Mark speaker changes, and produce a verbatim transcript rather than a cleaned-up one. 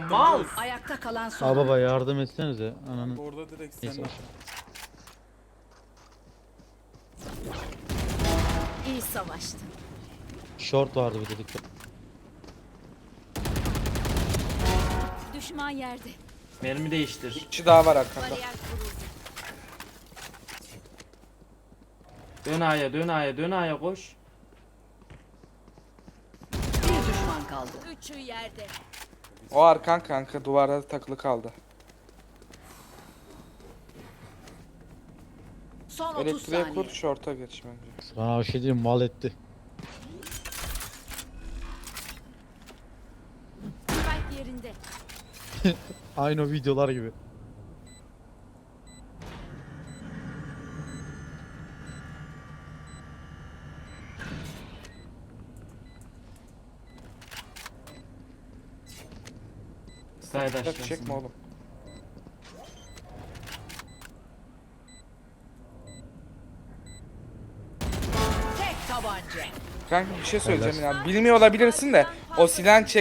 Speaker 1: Mal.
Speaker 2: Ayakta kalan son.
Speaker 3: Aa baba yardım etsenize ananı.
Speaker 4: Orada direkt
Speaker 3: Neyse.
Speaker 4: sen.
Speaker 2: İyi savaştın.
Speaker 3: Short vardı bir dedik.
Speaker 2: Düşman yerde.
Speaker 1: Mermi değiştir.
Speaker 5: Bir kişi daha var arkanda.
Speaker 2: Bariyer kuruldu.
Speaker 1: Dön A'ya, dön A'ya, dön A'ya koş.
Speaker 2: Bir düşman kaldı. Üçü yerde.
Speaker 5: O arkan kanka duvarda takılı kaldı.
Speaker 2: Son otuz
Speaker 5: Elektriğe
Speaker 2: saniye.
Speaker 5: kur, short'a geç bence.
Speaker 3: Sana bir şey diyeyim, mal etti.
Speaker 2: Spike yerinde.
Speaker 3: Aynı o videolar gibi.
Speaker 1: Side
Speaker 5: Çekme
Speaker 1: aşağısın.
Speaker 5: oğlum.
Speaker 2: Tek tabanca.
Speaker 5: Kanka bir şey söyleyeceğim ya. Bilmiyor olabilirsin de o silah çek